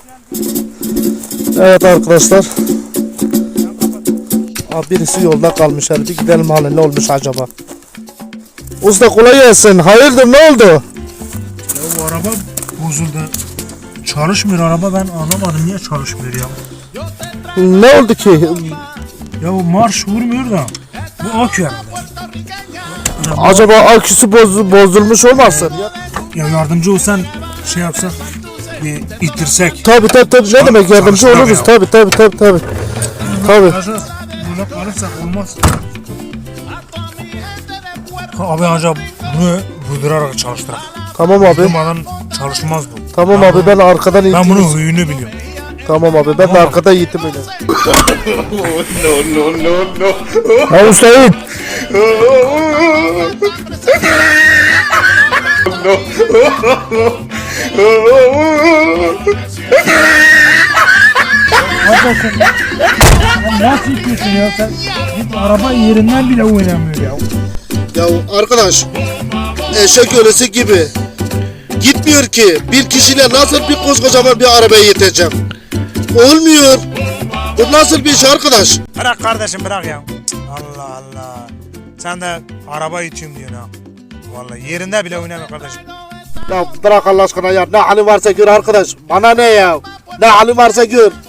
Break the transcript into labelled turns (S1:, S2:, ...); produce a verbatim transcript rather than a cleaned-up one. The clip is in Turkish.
S1: Evet arkadaşlar. Abi birisi yolda kalmış. Hadi bir gidelim hali ne olmuş acaba? Usta kolay gelsin. Hayırdır ne oldu?
S2: Ya bu araba bozuldu. Çalışmıyor araba, ben anlamadım niye çalışmıyor ya.
S1: Ne oldu ki?
S2: Ya bu marş vurmuyor da. Bu akü herhalde. Ya,
S1: Acaba aküsü boz, bozulmuş olmasın?
S2: ya yardımcı olsan şey yapsak, bir ittirsek.
S1: Tabi tabi tabi ne demek yardımcı
S2: çalıştırak
S1: oluruz
S2: ya.
S1: tabi tabi tabi tabi. Tabi.
S2: Acaba böyle kalırsak olmaz. Ha, abi acaba bunu vurdurarak çalıştırak.
S1: Tamam abi.
S2: Durmadan çalışmaz bu.
S1: Tamam
S2: Ben
S1: abi
S2: bunu-
S1: ben arkadan
S2: Ben
S1: ittim.
S2: bunun huyunu biliyorum.
S1: Tamam abi ben de
S2: Tamam.
S1: arkada yiğitim öyle.
S3: no, no, no, no.
S1: Ya Hüseyin.
S2: Nasıl itiyorsun ya sen? Git araba yerinden bile oynamıyor ya.
S1: Ya arkadaş eşek ölüsü gibi gitmiyor ki, bir kişiyle nasıl bir koskocaman bir arabaya yeteceğim? Olmuyor. Bu nasıl bir iş arkadaş?
S2: Bırak kardeşim bırak ya. Allah Allah. Sen de araba itiyorum diyorsun ha. Vallahi yerinde bile oynamıyor kardeşim.
S1: Ya bırak Allah aşkına ya, ne hali varsa gör arkadaş, bana ne ya, ne hali varsa gör.